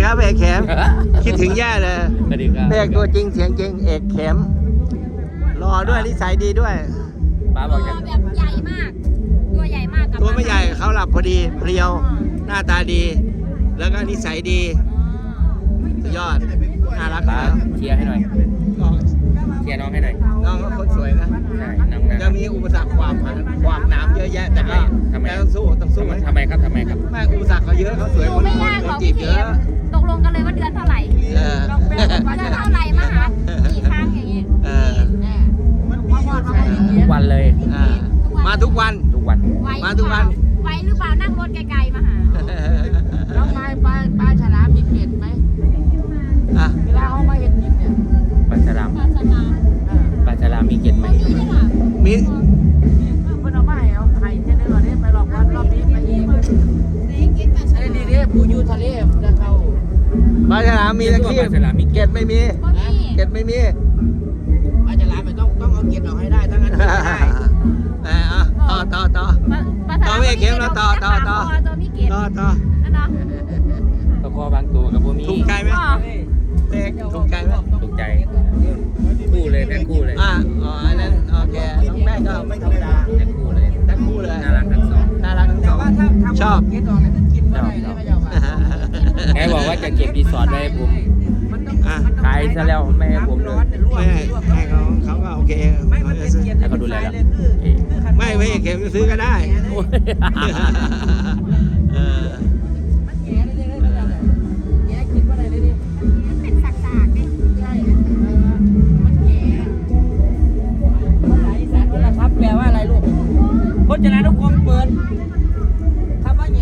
ครับเอกเข็มคิดถึงแย่เลยสวัสดีครับเอกตัวจริงเสียงจริงเอกเข็มรอด้วยนิสัยดีด้วยป้าบอกจะแบบใหญ่มาก ตัวใหญ่มากกับตัวไม่ใหญ่เขาหลับพอดีเพรียวหน้าตาดี แล้วก็นิสัยดีสุดยอดน่ารักป้านะเชียร์ให้หน่อยก็เชียร์น้องให้หน่อยน้องก็คนสวยนะใช่น้องนะจะมีอุปสรรคความน้ำเยอะแยะแต่ก็ทำไมต้องสู้ต้องสู้ทำไมครับทำไมครับแม่อุปสรรคเขาเยอะเขาสวยดูคนไม่คนยากหรอกจีพี่บเยเข็อะมตกลงกันเลยว่าเดือนเท่าไหร่เออเดือนเท่าไหร่มาหากี่ครั้งอย่างงี้เออทุกวันเลยอ่ามาทุกวันทุกวันไวมาทุกวันไวหรือเปล่านั่งรถไกลๆมาหาแล้วปลาฉลามมีเกล็ดไหมอ่ะเวลาเขามาเห็นกินเนี่ยปลาฉลามปลาสลามปลาฉลามมีเกล็ดไหมนี่เลยค่ะมีเพื่อนเอามาให้เอาไข่เช่นนี้ก่อนนี้ไปหลอกวันรอบนี้ไปอีกไอ้นี่เนี่ยปูยูทะเลจะเข้าปลาฉลามมีตะตัวคีปลาฉลามมีเกเกล็ล็ดดไม่มีบ่มีเกล็ดไม่มีปลาฉลามไม่ต้องเอาเกล็ดออกให้ได้ทั้งนั้นกินไม่ได้ต่อปลาสลามต่อเว้ยเข็มแล้วต่อตัวมีเกล็ดต่อนั่นเนาะตะคอบางตัวกับพวกมีถูกใจไหมอ๋อเด็กถูกใจไหมถูกใจคู่เลยแพ็คคู่เลยอ๋ออันนั้นโอเคน้องแม่ก็ไม่ธรรมดาแพ็คคู่เลยทั้งคู่เลยน่ารักทั้งสองน่ารักทั้งสแต่องว่าถ้าทำชอบเกล็ดออกเนี่ยก็กินไม่ได้เลยเขาจะว่าแม่บอกว่าจะเก็บรีสอร์ทไว้ให้ผมมันต้องขายซะแล้วไม่ให้ผมเลยไม่ให้เขาก็โอเคไม่มันเป็นเกล็ดให้เขาดูแลแล้วไม่เข็มซื้อก็ได้โอ้ยเออมันแง่เลยแง่กินว่าอะไรเลยดิเป็นสักๆดิใช่มันแง่ภาษาอีสานว่าครับแปลว่าอะไรลูกพจนานุกรมเปิดคำว่าแง่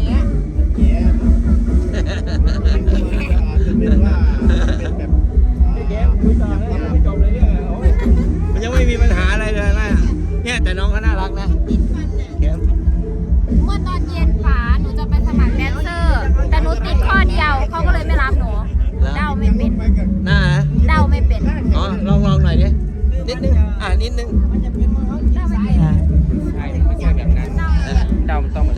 มันยังไม่มีปัญหาอะไรเลยนะเนี่ยแต่น้องเขาน่ารักนะเข็มเมื่อตอนเย็นป๋าหนูจะไปสมัครแดนเซอร์ แต่หนูติดข้อเดียวเขาก็เลยไม่รับหนูเดาไม่เป็นหน้านะเดาไม่เป็นอ๋อลองหน่อยดินิดนึงนิดนึงมันจะเป็นมือเขาเดาไม่เป็นใช่ไม่ใช่แบบนั้นเดามันต้องเหมือน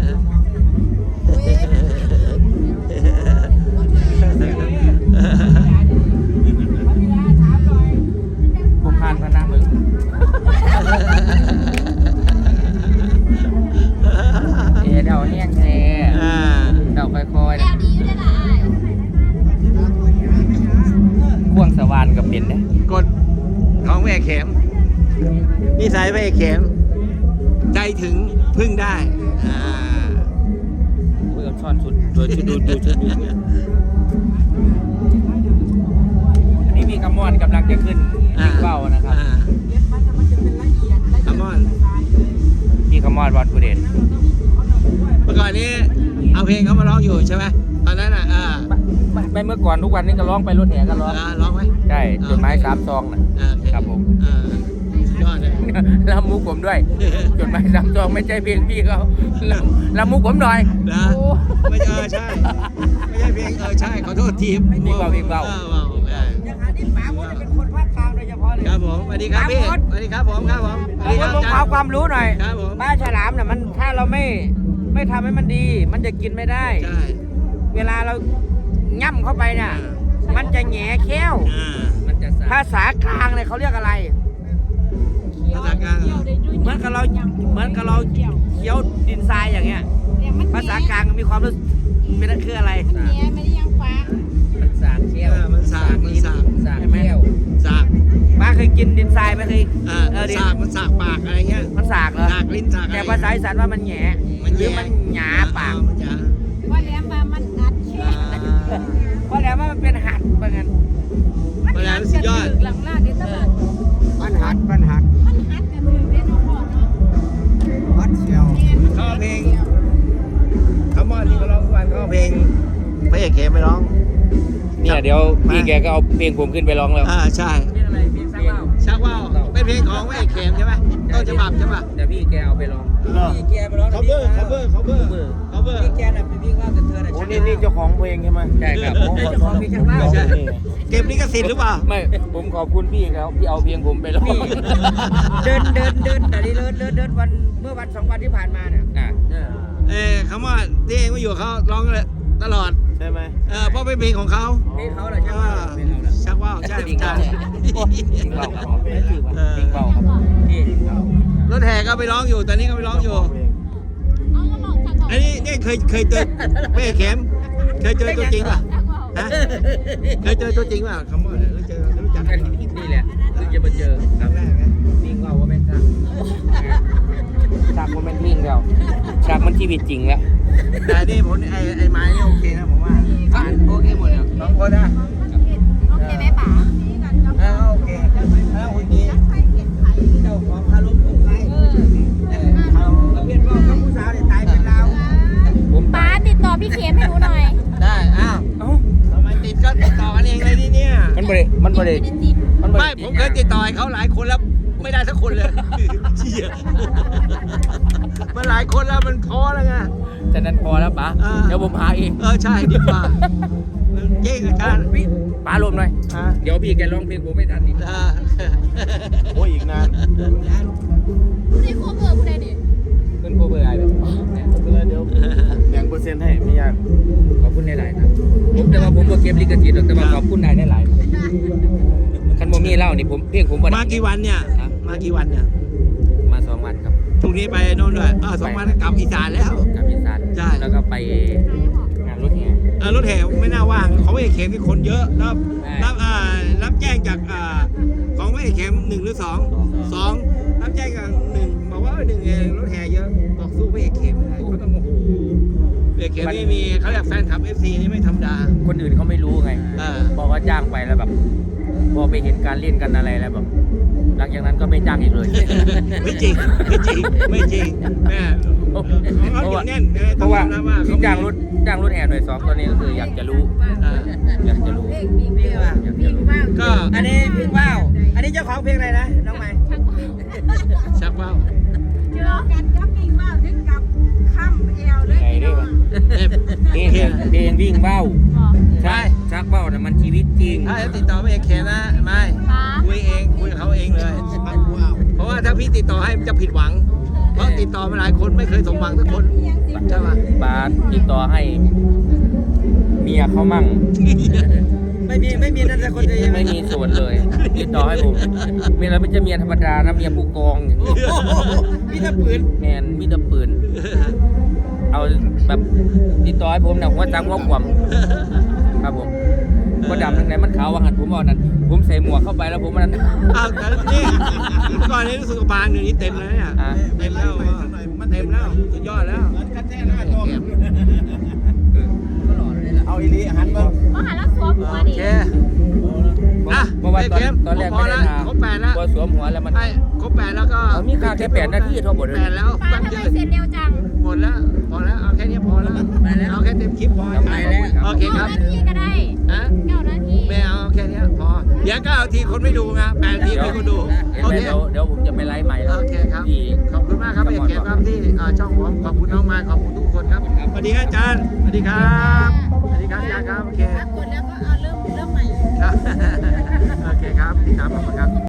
ผมผ่านพนักมึงเดาแห้งแท้เดาค่อยแก้วดีอยู่ด้วยล่ะอ้ายๆพ่วงสวานกับเป็นเนี่ยกดของแม่เข็มนิสัยแม่เข็มใจถึงพึ่งได้คุยกับช่อนสุดโดยชุดดูชุดอันนี้มีกระมอนกำลังจะขึ้นวิ่งเป้านะครับคามอนพี่กระมอนบอลผู้เด่นเมื่อก่อนนี้เอาเพลงเขามาร้องอยู่ใช่ไหมตอนนั้นไม่เมื่อก่อนทุกวันนี้ก็ร้องไปรถแห่ก็ร้องร้องไหมใช่จดหมาย3 ซองน่ะ ครับผมยอดเลยแล้วมุกผมด้วย จดหมาย3 ซองไม่ใช่เพลงพี่เขาแล้วมุกผมหน่อยนะไม่ใช่ไม่ใช่เพลงใช่ขอโทษทีมพี่เบาอย่างหาที่ป๋าผมเป็นคนภาคกลางโดยเฉพาะเลยครับผมสวัสดีครับพี่สวัสดีครับผมครับผมสวัสดีครับผมขอความรู้หน่อยครับผมปลาฉลามน่ะมันถ้าเราไม่ทำให้มันดี มันจะกินไม่ได้ใช่เวลาเราย่ำเข้าไปน่ะ มันจะแหง่แค้วมันจะภาษากลางเนี่ยเขาเรียกอะไรภาษากลางเหมือนกับเราเคี้ยวดินทรายอย่างเงี้ย ภาษากลางมีความรู้เป็นนั่นคืออะไรมันแง่ไม่ได้ยังฟ้ามันสากเที่ยวมันสากมันสากสากเที่ยวสากป้าเคยกินดินทรายไหมเคยสากมันสากปากอะไรเงี้ยมันสากเหรอสากลิ้นสากอะไรแต่ภาษาอีสานว่ามันแหง่หรือมันหยาปากมันหยาว่าแล้วมามันอัดแค่เพราะแล้วว่ามันเป็นหัดเหมือนกันเพราะฉะนั้นสุดยอดหลังลาดเดี๋ยวจะมามันหัดมันหัดมันอัดกันถึงได้น้องพ่อเนาะวัดเชียวเขาเพลงคามอนที่เขาร้องทุกวันเขาเพลงพระเอกเข็มไปร้องเนี่ยเดี๋ยวพี่แกก็เอาเพลงผมขึ้นไปร้องแล้วใช่เป็นอะไรเพียงสักเล่าชักว่าวเป็นเพลงของพระเอกเข็มใช่ไหมต้นฉบับใช่ป่ะเดี๋ยวพี่แกเอาไปร้องพี่แกไปร้อง cover พี่แกน่ะเป็นพี่ว่าแต่เธอน่ะโอ้นี่เจ้าของเพลงใช่ไหมใช่ครับเจ้าของเพลงชักเล่าใช่เก็บลิขสิทธิ์หรือเปล่าไม่ผมขอบคุณพี่เขาที่เอาเพลงผมไปร้องนี่เดินแต่นี่เดินวันเมื่อวัน2 วันที่ผ่านมาเนี่ยอ่ะคำว่าที่เองมาอยู่กับเขาร้องเลยตลอดใช่ไหมเพราะเป็นเพลงของเขาเพลงเขาเหรอใช่ป่ะเพลงเขาเหรอชักว่าวใช่จริงใช่จริงเปล่าครับไม่ถือว่าจริงเปล่าครับพี่รถแห่ก็ไปร้องอยู่ตอนนี้ก็ไปร้องอยู่เอาก็ลองชักว่าวอันนี้เนี่ยเคยเจอแม่เข็มเคยเจอตัวจริงป่ะชักว่าวฮะเคยเจอตัวจริงป่ะคำว่ารู้จักกันนี่แหละถึงจะมาเจอครั้งแรกไงวิ่งว่าเป็นชักชักมันเป็นวิ่งแล้วชักมันชีวิตจริงแล้วแต่นี่ผมไอ้ไม้นี่โอเคนะผมว่าโอเคหมดแล้วสองคนนะโอเคไหมป๋าโอเคแล้วคนนี้เจ้าของคารมของใครเขาเพี้ยนว่าเขาผู้สาวเนี่ยตายเป็นเราผมป๋าติดต่อพี่เข็มให้หนูหน่อยได้อ้าวเอ้าทำไมติดก็ติดต่อกันเองเลยนี่เนี่ยมันบริมันบริไม่ได้ติดมันบริไม่ผมเคยติดต่อให้เขาหลายคนแล้วไม่ได้สักคนเลยเชี่ยมันหลายคนแล้วมันท้อแล้วไงแต่นั้นพอแล้วป๋าเดี๋ยวผมหาเองใช่ดีกว่าเจ๊อาจารย์พี่ป๋ารวมหน่อย เดี๋ยวพี่แกร้องเพลงผมไม่ทันอีกโอ้ยอีกนานผู้ใดควบเบอร์ผู้ใดดิเพื่อนโคเบอร์อะไรแบบเนี่ยเดี๋ยวแบ่งเปอร์เซ็นต์ให้ไม่ยากขอบคุณหลายๆครับผมแต่ว่าผมก็เก็บลิขสิทธิ์หรอกแต่ว่าขอบคุณนายได้หลายคันโมมี่เล่านี่ผมเพลงผมบ่ได้มากี่วันเนี่ยมากี่วันเนี่ยมา2 วันครับพรุ่งนี้ไปโน่นด้วย2 วันก็กลับอีสานแล้วกับอีสานใช่แล้วก็ไปงานรถแห่รถแห่ไม่น่าว่างของไม่เข็มที่คนเยอะแล้วใช่รับแจ้งจากของไม่เข็ม1 หรือ 2 รับแจ้งจาก1บอกว่า1รถแห่เยอะบอกสู้ไม่เข็มไม่ได้เขาต้องโอ้โหไม่เข็มนี่มีเขาเรียกแฟนคลับ FC นี่ไม่ธรรมดาคนอื่นเขาไม่รู้ไง บอกว่าจ้างไปแล้วแบบ พอไปเห็นการเล่นกันอะไรแล้วแบบหลังจากนั้นก็ไม่จ้างอีกเลยไม่จริงไม่จริงแม่เขาอยู่แน่นเพราะว่าต้องยอมรับที่จ้างรถแห่หน่วย2ตอนนี้ก็คืออยากจะรู้ อยากจะรู้อยากจะรู้ก็อันนี้เพลงว่าวอันนี้เจ้าของเพลงอะไรนะน้องใหม่ชักว่าวชักว่าวเจอกันกับกิ่งว่าวถึงกับค่ำเอวเลยไงได้ปะเพลงวิ่งเบ้าใช่ชักเบ้าน่ะมันชีวิตจริงถ้าจะติดต่อไม่เข็มนะไม่ป๋าคุยกับเขาเองเลย เพราะว่าถ้าพี่ติดต่อให้จะผิดหวัง เพราะติดต่อมาหลายคนไม่เคยสมหวังสักคนใช่ปะบาสติดต่อให้เมียเขามั่งไม่มีนั่นแต่คนเดียวใช่ไหมไม่มีส่วนเลย ติดต่อให้ผมเมียเราไม่ใช่เมียธรรมดานะเมียผู้กองอย่างนี้พี่ตะปืนแมนมีแต่ปืน เอาแบบติดต่อให้ผมนะหัวจังหัวขวมครับผมก็ดำทั้งไหนมันขาวว่าหันผมเอานั้นผมใส่หมวกเข้าไปแล้วผมมันอ้าวแต่นี่ก่อนนี้รู้สึกว่าบานเดี๋ยวนี้เต็มแล้วเนี่ยอ่ะเต็มแล้วเต็มแล้วสุดยอดแล้วกันแท้หน้าตัว เอาอีลีหันมาก็หันแล้วสวมหัวโอดิเคอ่ะเพราะว่าไม่ตอนเข็มตอนแรกพอไม่ได้แล้วทาครบ8แล้วพอสวมหัวแล้วมันไอ้ครบ8แล้วก็เอามีค่าแค่8 นาทีเท่าหมดเลย 8แล้วป๋าตั้งทำเยไมอะเสร็จเร็วจังหมดแล้วพอแล้วเอาแค่นี้พอแล้วเอาแค่เต็มคลิปพอไปแล้วโอเคครับ 9 นาทีก็ได้ฮะ 9 นาทีไม่เอาแค่นี้พอเดี๋ยว9 นาทีคนไม่ดูนะ8 นาทีมีคนดูเห็นโอไหมเคเดี๋ยวผมจะไปไลฟ์ใหม่แล้วโอเคครับที่ขอบคุณมากครับเอกเกมครับที่ช่องผมขอบคุณน้องมาขอบคุณทุกคนครับสวัสดีครับอาจารย์สวัสดีครับสวัสดีครับอาจารย์ครับโอเคกดแล้วก็เอาเริ่มใหม่ครับโอเคครับติดตามผมครับ